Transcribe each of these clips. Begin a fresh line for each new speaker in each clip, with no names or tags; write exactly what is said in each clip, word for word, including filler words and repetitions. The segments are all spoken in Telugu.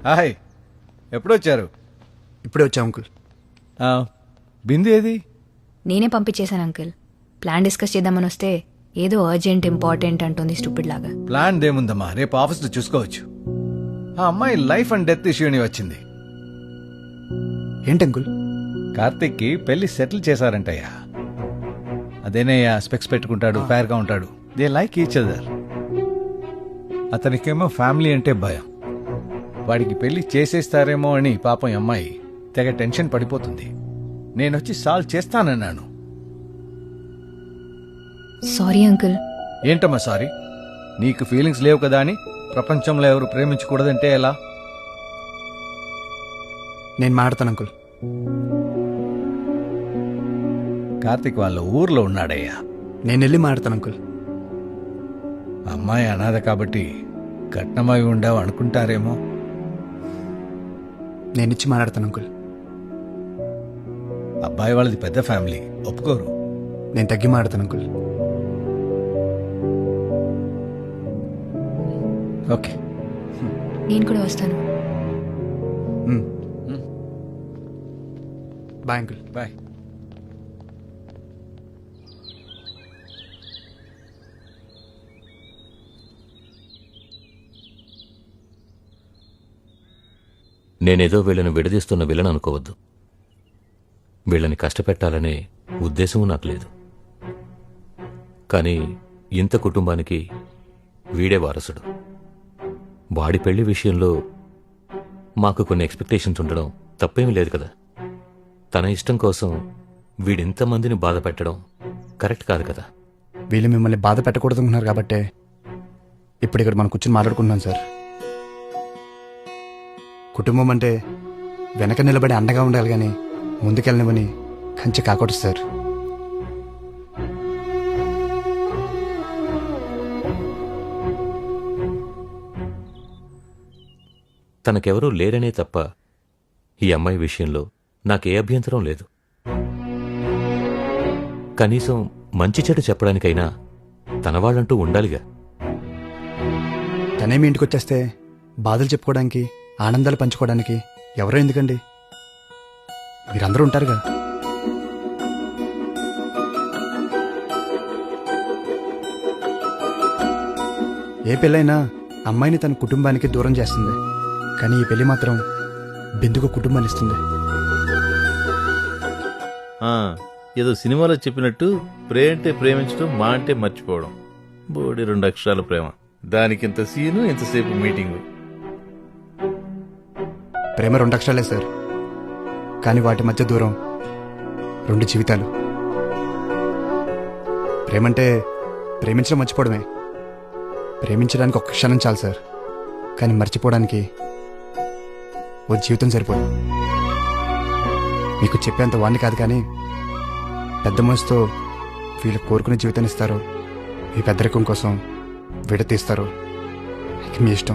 హాయ్, ఎప్పుడు వచ్చారు?
ఇప్పుడే వచ్చా అంకుల్.
ఆ, బిందు ఏది?
నేనే పంపించేశాను అంకుల్. ప్లాన్ డిస్కస్ చేద్దామని వస్తే ఏదో అర్జెంట్ ఇంపార్టెంట్ అంటుంది స్టూపిడ్ లాగా.
ప్లాన్ దేముందమ్మా, రేపు ఆఫీస్లో చూసుకోవచ్చు. ఆ అమ్మాయి లైఫ్ అండ్ డెత్ ఇష్యూని వచ్చింది.
ఏంటి అంకుల్?
కార్తిక్కి పెళ్లి సెటిల్ చేశారంటయ్యా. అదేనయ్యా, స్పెక్స్ పెట్టుకుంటాడు, ఫైర్ గా ఉంటాడు. They like each other. అతనికేమో ఫ్యామిలీ అంటే భయం. వాడికి పెళ్లి చేసేస్తారేమో అని పాపం ఈ అమ్మాయి తెగ టెన్షన్ పడిపోతుంది. నేనొచ్చి సాల్వ్ చేస్తానన్నాను.
Sorry uncle.
ఏంటమ్మా సారీ? నీకు ఫీలింగ్స్ లేవు కదా అని ప్రపంచంలో ఎవరు ప్రేమించకూడదంటే ఎలా?
నేను మాడతాను అంకుల్.
కార్తిక్ వాళ్ళ ఊర్లో ఉన్నాడయ్యా.
నేను వెళ్ళి మాడతాను అంకుల్.
అమ్మాయి అనాథ కాబట్టి కట్నమై ఉండవు అనుకుంటారేమో.
నేను ఇచ్చి మాట్లాడతాను అంకుల్.
అబ్బాయి వాళ్ళది పెద్ద ఫ్యామిలీ, ఒప్పుకోరు.
నేను తగ్గి మాడతాను అంకుల్.
ఓకే,
నేను కూడా వస్తాను.
Bye uncle.
బాయ్.
నేనేదో వీళ్ళని విడదీస్తున్న విలన్ అనుకోవద్దు. వీళ్ళని కష్టపెట్టాలనే ఉద్దేశము నాకు లేదు. కానీ ఇంత కుటుంబానికి వీడే వారసుడు. వాడి పెళ్లి విషయంలో మాకు కొన్ని ఎక్స్పెక్టేషన్స్ ఉండడం తప్పేమీ లేదు కదా. తన ఇష్టం కోసం వీడింతమందిని బాధ పెట్టడం కరెక్ట్ కాదు కదా.
వీళ్ళు మిమ్మల్ని బాధ పెట్టకూడదు అనుకున్నారు కాబట్టే ఇప్పుడు ఇక్కడ మనం కూర్చొని మాట్లాడుకుంటున్నాం సార్. కుటుంబం అంటే వెనక నిలబడి అండగా ఉండాలి కానీ ముందుకెళ్ళనివని కంచి కాకూడదు సార్.
తనకెవరూ లేరనే తప్ప ఈ అమ్మాయి విషయంలో నాకే అభ్యంతరం లేదు. కనీసం మంచి చెడు చెప్పడానికైనా తన వాళ్ళంటూ ఉండాలిగా.
తనేమి ఇంటికి వచ్చేస్తే బాధలు చెప్పుకోవడానికి, ఆనందాలు పంచుకోవడానికి ఎవరో ఎందుకండి? మీరందరూ ఉంటారుగా. ఏ పెళ్ళైనా అమ్మాయిని తన కుటుంబానికి దూరం చేస్తుంది, కానీ ఈ పెళ్లి మాత్రం బిందుకు కుటుంబాన్ని ఇస్తుంది.
ఆ, ఏదో సినిమాలో చెప్పినట్టు ప్రే అంటే ప్రేమించడం, మా అంటే మర్చిపోవడం. బోడి రెండు అక్షరాల ప్రేమ, దానికి ఇంత సీను, ఇంతసేపు మీటింగు.
ప్రేమ రెండు అక్షరాలే సార్, కానీ వాటి మధ్య దూరం రెండు జీవితాలు. ప్రేమంటే ప్రేమించడం మర్చిపోవడమే. ప్రేమించడానికి ఒక్క క్షణం చాలు సార్, కానీ మర్చిపోవడానికి ఓ జీవితం సరిపోదు. మీకు చెప్పేంత వాడిని కాదు, కానీ పెద్ద మనసుతో వీళ్ళు కోరుకునే జీవితాన్ని ఇస్తారో, మీ పెద్దరికం కోసం విడతీస్తారో ఇక మీ ఇష్టం.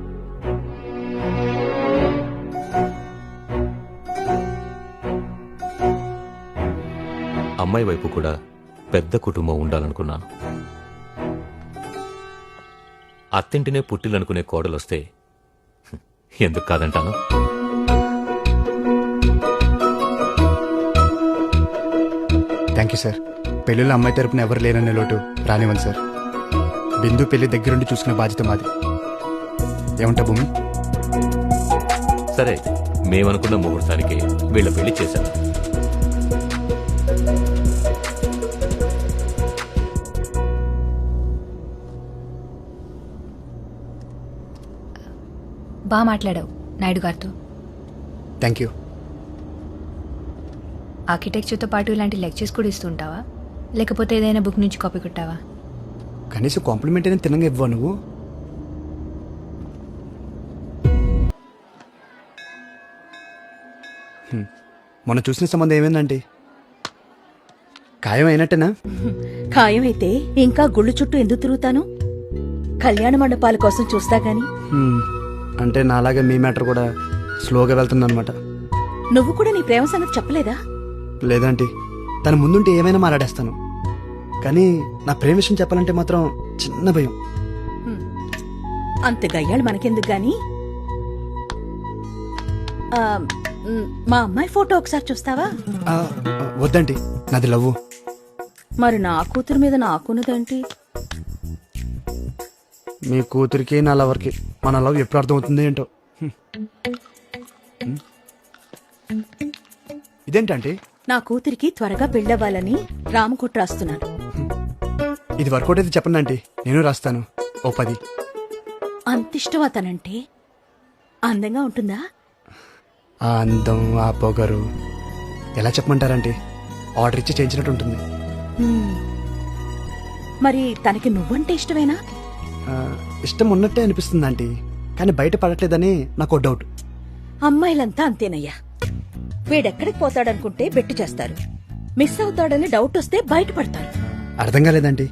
అమ్మాయి వైపు కూడా పెద్ద కుటుంబం ఉండాలనుకున్నాను. అత్తింటినే పుట్టిలనుకునే కోడలొస్తే ఎందుకు కాదంటాను.
Thank you sir. పెళ్ళిలో అమ్మాయి తరపున ఎవరు లేరనే లోటు రానివ్వండి సార్. బిందు పెళ్లి దగ్గరుండి చూసుకునే బాధ్యత మాది. ఏమంటా భూమి?
సరే అయితే మేమనుకున్న ముహూర్తానికి వీళ్ళ పెళ్లి చేశాను.
బాగా మాట్లాడావు నాయుడు గారితో.
Thank you.
ఆర్కిటెక్చర్తో పాటు ఇలాంటి లెక్చర్స్ కూడా ఇస్తుంటావా, లేకపోతే ఏదైనా బుక్ నుంచి కాపీ కొట్టావా?
కనీసం కాంప్లిమెంట్ అయినా తినంగా ఇవ్వవు నువ్వు. మొన్న చూసిన సంబంధం ఏమైందంటే ఖాయం అయినట్టేనా?
ఖాయమైతే ఇంకా గుళ్ళు చుట్టూ ఎందుకు తిరుగుతాను? కళ్యాణ మండపాల కోసం చూస్తా గాని.
హ్మ్. అంటే నాలాగే మీ మ్యాటర్ కూడా స్లోగా వెళ్తుందన్నమాట.
నువ్వు కూడా నీ ప్రేమ సంగతి చెప్పలేదా?
లేదంటే తన ముందుంటే ఏమైనా మాట్లాడేస్తాను, కానీ నా ప్రేమ విషయం చెప్పాలంటే మాత్రం చిన్న భయం.
అంత గయ్యాళ్ళు మనకెందుకు గాని ఆ, మ్, మా అమ్మాయి ఫోటో ఒకసారి చూస్తావా?
ఆ, ఆ, వద్దండి, నాది లవ్వు.
మరి నా కూతురు మీద నాకున్నదేంటి?
మీ కూతురికి నా లవర్కి మన లవ్ ఎప్పుడు అర్థమవుతుంది ఏంటో. హ్మ్. హ్మ్. ఇదేంటంటే
నా కూతురికి త్వరగా పెళ్ళవ్వాలని రామకుట్ర రాస్తున్నాను.
ఇది వర్కౌట్ అయితే చెప్పండి ఆంటీ, నేను రాస్తాను ఓ పది.
అంతిష్టం అతనంటే. అందంగా ఉంటుందా?
ఆ అందం, ఆ పొగరు ఎలా చెప్పమంటారంటే ఆర్డర్ ఇచ్చి చేయించినట్టు ఉంటుంది.
హ్మ్. మరి తనకి నువ్వంటే ఇష్టమేనా?
ఆ, ఇష్టం ఉన్నట్టే అనిపిస్తుంది ఆంటీ, కానీ బయట పడట్లేదని నాకు డౌట్.
అమ్మాయిలంతా అంతేనయ్యా. వీడెక్కడికి పోతాడనుకుంటే బెట్టు చేస్తారు. మిస్ అవుతాడని డౌట్ వస్తే బయటపడతారు.
అర్థం కాలేదండి.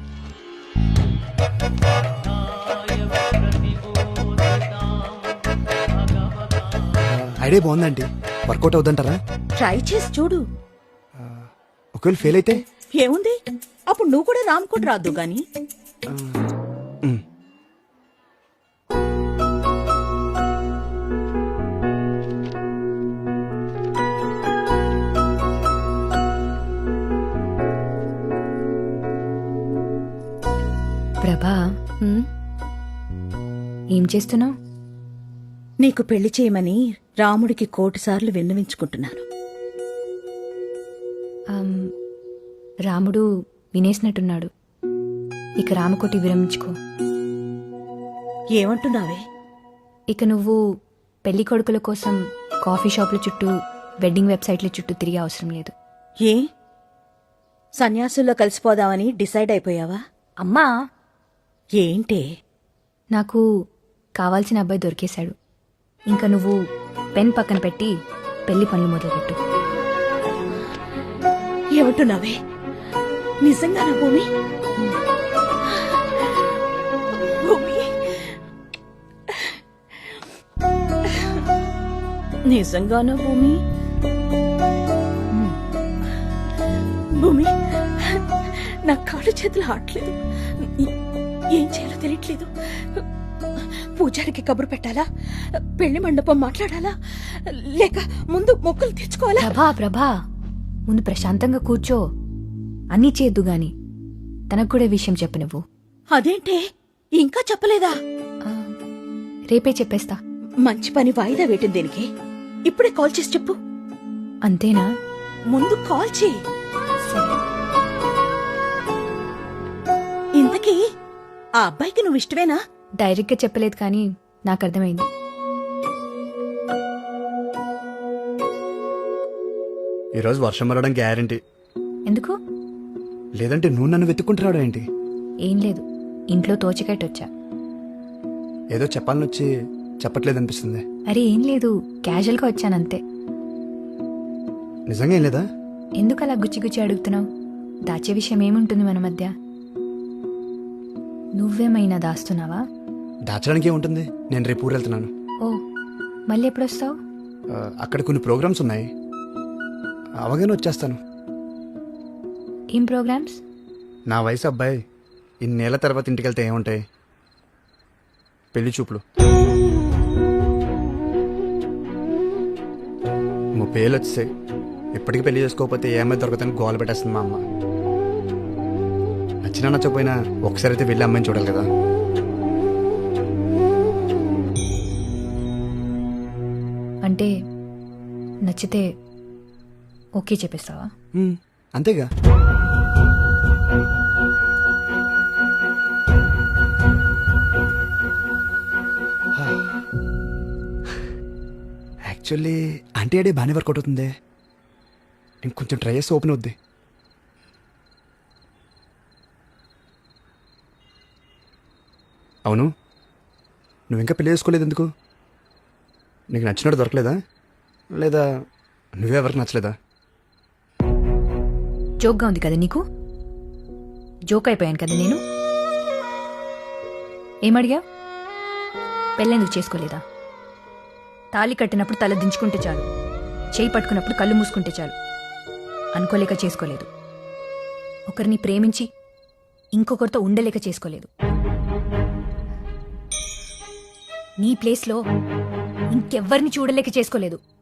ఐడియా బాగుందండి, వర్కౌట్ అవుతుంటారా?
ట్రై చేసి చూడు.
ఒకవేళ ఫెయిల్ అయితే
ఏముంది, అప్పుడు నువ్వు కూడా రామ్కోట్ రాద్దు గాని.
మ్,
ప్రభా,
హ్మ్?
ఏం చేస్తున్నావు?
నీకు పెళ్లి చేయమని రాముడికి కోటి సార్లు విన్నవించుకుంటున్నాను.
రాముడు వినేసినట్టున్నాడు. ఇక రామకోటి విరమించుకో.
ఏమంటున్నావే?
ఇక నువ్వు పెళ్లి కొడుకుల కోసం కాఫీ షాపుల చుట్టూ, వెడ్డింగ్ వెబ్సైట్ల చుట్టూ తిరిగే అవసరం లేదు.
ఏ సన్యాసుల్లో కలిసిపోదామని డిసైడ్ అయిపోయావా?
అమ్మా,
ఏంటే?
నాకు కావాల్సిన అబ్బాయి దొరికేశాడు. ఇంకా నువ్వు పెన్ పక్కన పెట్టి పెళ్లి పనులు మొదలుపెట్టు.
ఏమంటున్నావే? నిజంగానా భూమి? భూమి, నిజంగానా భూమి? భూమి, నా కాళ్ళు చేతులు ఆడలేదు. ఏం చేయాలో తెలియట్లేదు. పూజారికి కబురు పెట్టాలా? పెళ్లి మండపం మాట్లాడాలా? లేక ముందు మొక్కులు తెచ్చుకోవాలా?
ప్రభా ప్రభా ముందు ప్రశాంతంగా కూర్చో. అన్నీ చేద్దు గాని తనకు కూడా ఈ విషయం చెప్పు నువ్వు.
అదేంటే ఇంకా చెప్పలేదా?
ఆ, రేపే చెప్పేస్తా.
మంచి పని వాయిదా వేయటం దేనికి? ఇప్పుడే కాల్ చేసి చెప్పు.
అంతేనా?
ముందు కాల్ చేయి.
సరే.
ఇంతకీ ఆ అబ్బాయికి నువ్వు ఇష్టమేనా?
డైరెక్ట్గా చెప్పలేదు కానీ నాకు అర్థమైంది.
ఈరోజు వర్షం పడడం గ్యారంటీ.
ఎందుకు?
లేదంటే నువ్వు నన్ను వెతుక్కుంటున్నాడు ఏంటి?
ఏం లేదు, ఇంట్లో తోచకట్టొచ్చా.
ఏదో చెప్పాలని వచ్చి చెప్పట్లేదు అనిపిస్తుంది.
అరే ఏం లేదు, క్యాజువల్గా వచ్చానంతే.
నిజంగా ఏం లేదా?
ఎందుకు అలా గుచ్చి గుచ్చి అడుగుతున్నావు? దాచే విషయం ఏముంటుంది మన మధ్య? నువ్వేమైనా దాస్తున్నావా?
దాచడానికి ఏముంటుంది, నేను రేపు ఊరు వెళ్తున్నాను.
ఓ, మళ్ళీ ఎప్పుడొస్తావు?
ఆ, అక్కడ కొన్ని ప్రోగ్రామ్స్ ఉన్నాయి, అవగానే వచ్చేస్తాను.
ఏం ప్రోగ్రామ్స్?
నా వయసు అబ్బాయి ఇన్నేళ్ల తర్వాత ఇంటికి వెళ్తే ఏముంటాయి? పెళ్లి చూపులు. ముప్పై ఏళ్ళు వచ్చేసాయి, ఇప్పటికీ పెళ్లి చేసుకోకపోతే ఏమైనా దొరకదని గోల పెట్టేస్తుంది మా అమ్మ. నచ్చినా నచ్చకపోయినా ఒకసారి అయితే వెళ్ళి అమ్మాయిని చూడాలి కదా.
అంటే నచ్చితే ఓకే చెప్పేస్తావా?
ఉమ్, అంతేగా. యాక్చువల్లీ ఆంటీ అడే బాగానే వర్కౌట్ అవుతుంది. ఇంకొంచెం ట్రై చేస్తే ఓపెన్ అవుద్ది. అవును, నువ్వు ఇంకా పెళ్లి చేసుకోలేదు ఎందుకు? నీకు నచ్చినట్టు దొరకలేదా, లేదా నువ్వే ఎవరికి నచ్చలేదా?
జోక్గా ఉంది కదా నీకు? జోక్ అయిపోయాను కదా నేను. ఏమడిగా? పెళ్ళెందుకు చేసుకోలేదా? తాళి కట్టినప్పుడు తల దించుకుంటే చాలు, చేయి పట్టుకున్నప్పుడు కళ్ళు మూసుకుంటే చాలు అనుకోలేక చేసుకోలేదు. ఒకరిని ప్రేమించి ఇంకొకరితో ఉండలేక చేసుకోలేదు. నీ ప్లేస్లో ఇంకెవ్వరిని చూడలేక చేసుకోలేదు